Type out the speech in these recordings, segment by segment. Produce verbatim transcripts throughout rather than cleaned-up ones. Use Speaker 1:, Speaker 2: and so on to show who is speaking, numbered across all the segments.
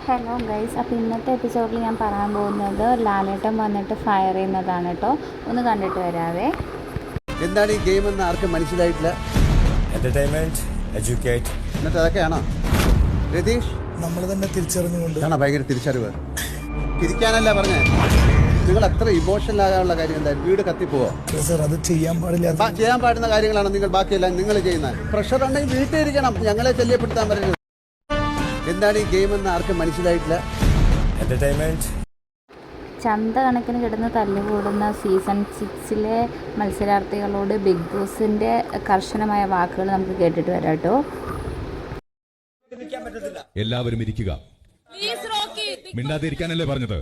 Speaker 1: Hello guys, അപ്പോൾ ഇന്നത്തെ എപ്പിസോഡിൽ ഞാൻ പറയാൻ പോകുന്നത് ലാലേട്ടൻ വന്നിട്ട് ഫയർ ചെയ്യുന്നതാണ് കേട്ടോ. ഒന്ന് കണ്ടിട്ട് വരാവേ.
Speaker 2: എന്താണ് ഈ ഗെയിം എന്ന് ആർക്കും മനസ്സിലായിട്ടില്ല.
Speaker 3: എന്റർടൈൻമെന്റ്, എഡ്യൂക്കേറ്റ്,
Speaker 2: എന്നിട്ട് അതൊക്കെയാണോ രതീഷ്?
Speaker 4: നമ്മൾ തന്നെ തിരിച്ചറിഞ്ഞുകൊണ്ട്
Speaker 2: ആണോ ഭയങ്കര തിരിച്ചറിവ്. തിരിക്കാനല്ല പറഞ്ഞേ, നിങ്ങൾ അത്ര ഇമോഷണൽ ആകാനുള്ള കാര്യം എന്തായാലും വീട് കത്തിപ്പോവോ?
Speaker 4: സാർ അത് ചെയ്യാൻ പാടില്ല.
Speaker 2: ചെയ്യാൻ പാടുന്ന കാര്യങ്ങളാണ് നിങ്ങൾ ബാക്കിയെല്ലാം നിങ്ങൾ ചെയ്യുന്നത്. പ്രഷർ ഉണ്ടെങ്കിൽ വീട്ടിൽ ഇരിക്കണം, ഞങ്ങളെ ശല്യപ്പെടുത്താൻ പറയുന്നത്. എന്താണ് ഈ ഗെയിം എന്ന് ആർക്കും മനസ്സിലായിട്ടില്ല.
Speaker 3: എന്റർടൈൻമെന്റ്.
Speaker 1: ചന്ത കണക്കിന് കിടന്ന് തല്ലുകൂടുന്ന സീസൺ സിക്സിലെ മത്സരാർത്ഥികളോട് ബിഗ് ബോസിൻ്റെ കർശനമായ വാക്കുകൾ നമുക്ക് കേട്ടിട്ട് വരാം കേട്ടോ.
Speaker 5: എല്ലാവരും ഇരിക്കുക. മിണ്ടാതിരിക്കാനല്ലേ പറഞ്ഞത്?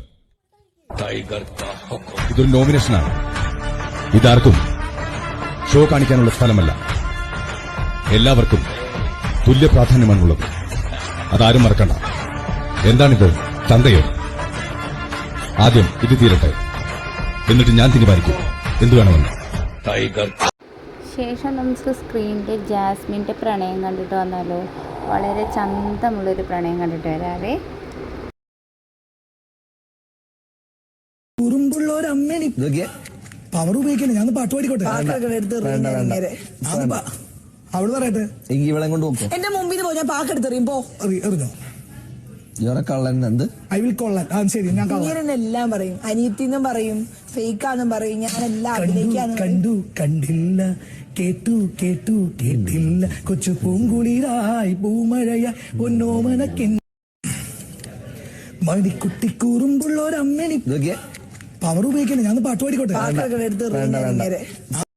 Speaker 5: ഇതൊരു നോമിനേഷനാണ്. ഇതാർക്കും ഷോ കാണിക്കാനുള്ള സ്ഥലമല്ല. എല്ലാവർക്കും തുല്യ പ്രാധാന്യമാണുള്ളത്. അതാരും മറക്കണ്ട. എന്താണിത്, ചന്തയോ? ആദ്യം ഇത് തീരട്ടെ, എന്നിട്ട് ഞാൻ തീരുമാനിക്കും എന്തു വേണമെന്ന്.
Speaker 1: ശേഷം നമുക്ക് സ്ക്രീനിൽ ജാസ്മിൻ്റെ പ്രണയം കണ്ടിട്ട് വന്നാലോ. വളരെ ചന്തമുള്ളൊരു പ്രണയം കണ്ടിട്ട് വരാവേ.
Speaker 4: കുറുമ്പുള്ളൊരമ്മേനി പവർ ഉപയോഗിക്കല്ലേ. ഞാൻ പാട്ട് പാടിക്കോട്ടെ. അവള് പറയട്ടെ.
Speaker 6: ഇവിടെ കൊണ്ട് നോക്കോ.
Speaker 7: എന്റെ മുമ്പിൽ പോ, ഞാൻ പാക്കെടുത്തെറിയുമ്പോ
Speaker 4: എറിഞ്ഞോ.
Speaker 6: കള്ളൻ എന്ത്
Speaker 4: ഐ വിൽ കൊള്ളാൻ. ആ ശരി, ഞാൻ
Speaker 7: എല്ലാം പറയും. അനിയത്തിന്നും പറയും, ഫേക്കാന്നും പറയും. ഞാൻ എല്ലാം അഭിനയിക്കാന്ന്
Speaker 4: കണ്ടു കണ്ടില്ല, കേട്ടു കേട്ടു കേട്ടില്ല, കൊച്ചു പൂങ്കുളിരായി പൂമഴയായി പൊന്നോമനക്കി മണിക്കുട്ടി കുറുമ്പുള്ളൊരമ്മേനി പവർ ഉപയോഗിക്കല്ലേ. ഞാൻ പാട്ട് പാടിക്കോട്ടെ.